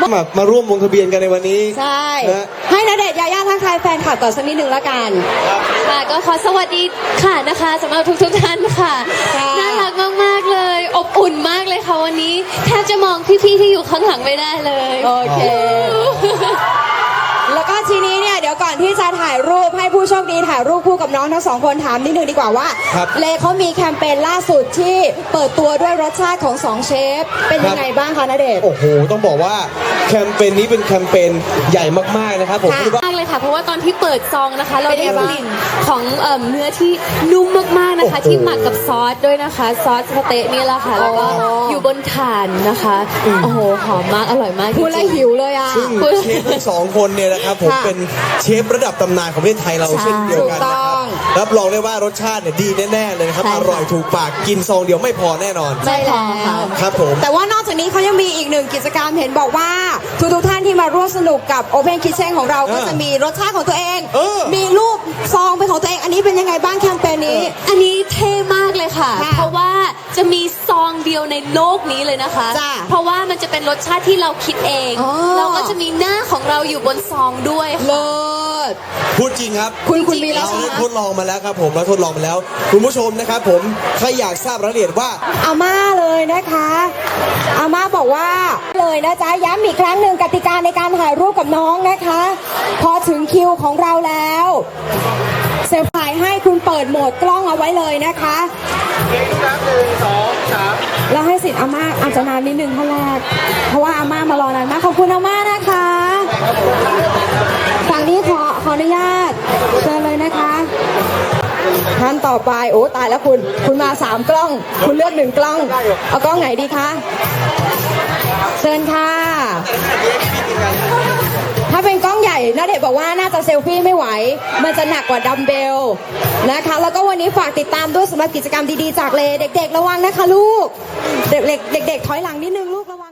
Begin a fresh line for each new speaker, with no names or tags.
มาร่วมลงทะเบียนกันในวันนี้
ใช่ให้ณเดชน์ยาย่าทักทายแฟนคลับก่อนสักนิดหนึ่งละกัน
ค่ะก็ขอสวัสดีค่ะนะคะสำหรับทุกท่านค่ะน่ารักมากๆเลยอบอุ่นมากเลยค่ะวันนี้แทบจะมองพี่ๆที่อยู่ข้างหลังไม่ได้เลย
โอเคแล้วก็ทีนี้เนี่ยเดี๋ยวก่อนที่จะถ่ายรูปให้ผู้โชคดีถ่ายรูปคู่กับน้องทั้งสองคนถามนิดนึงดีกว่าว่าเลเขามีแคมเปญล่าสุดที่เปิดตัวด้วยรสชาติของ2เชฟเป็นยังไงบ้างคะณเดชน์
โอ้โหต้องบอกว่าแคมเปญนี้เป็นแคมเปญใหญ่มากๆนะครับผมคิดว่าม
ากเลยค่ะเพราะว่าตอนที่เปิดซองนะคะเราได้กลิ่นของเนื้อที่นุ่มมากๆนะคะที่หมักกับซอสด้วยนะคะซอสสเต๊ะนี่แหละค่ะแล้วก็อยู่บนถ่านนะคะโอ้โหหอมมากอร่อยมาก
พูดแล้วหิวเลยอ่ะ
ซึ่งเชฟทั้งสองคนเนี่ยนะครับผมเป็นเชฟระดับตำนานของประเทศไทยเราเช่นเดียวกันนะครับรับรองได้ว่ารสชาติเนี่ยดีแน่ๆเลยนะครับอร่อยถูกปากกินซองเดียวไม่พอแน่นอน
ใช่แล้ว
ครับผม
แต่ว่านอกจากนี้เขายังมีอีกหนึ่งกิจกรรมเห็นบอกว่าทุกท่านที่มาร่วมสนุกกับ Open Kitchen ของเราก็จะมีรสชาติของตัวเองมีรูปซองเป็นของตัวเองอันนี้เป็นยังไงบ้างแคมเปญนี้
อันนี้เท่มากเลยค่ะเพราะว่าจะมีซองเดียวในโลกนี้เลยนะคะเพราะว่ามันจะเป็นรสชาติที่เราคิดเองเราก็จะมีหน้าของเราอยู่บนซองด้วย
เลิศ
พูดจริงครับ
คุณมีแล้ว
เราทดลองมาแล้วครับผมเราทดลองมาแล้วคุณผู้ชมนะครับผมใครอยากทราบรายละเอียดว่า
อาม่าเลยนะคะอาม่าบอกว่าเลยนะจ๊ะย้ำอีกครั้งหนึ่งกติกาในการถ่ายรูปกับน้องนะคะพอถึงคิวของเราแล้วเซลฟี่ให้คุณเปิดโหมดกล้องเอาไว้เลยนะคะ1 2 3แล้วให้สิทธิ์อาม่าอาจจะนานนิดนึงเท่าแรกเพราะว่าอาม่ามารอนานมากขอบคุณอาม่านะคะฝั่งนี้ขออนุญาตเชิญเลยนะคะท่านต่อไปโอ้ตายแล้วคุณมา3กล้องคุณเลือก1กล้องเอากล้องไหนดีคะเชิญค่ะถ้าเป็นกล้องใหญ่ณเดชน์บอกว่าน่าจะเซลฟี่ไม่ไหวมันจะหนักกว่าดัมเบลนะคะแล้วก็วันนี้ฝากติดตามด้วยสำหรับกิจกรรมดีๆจากเลเด็กๆระวังนะคะลูกเด็กๆถอยหลังนิดนึงลูกระวัง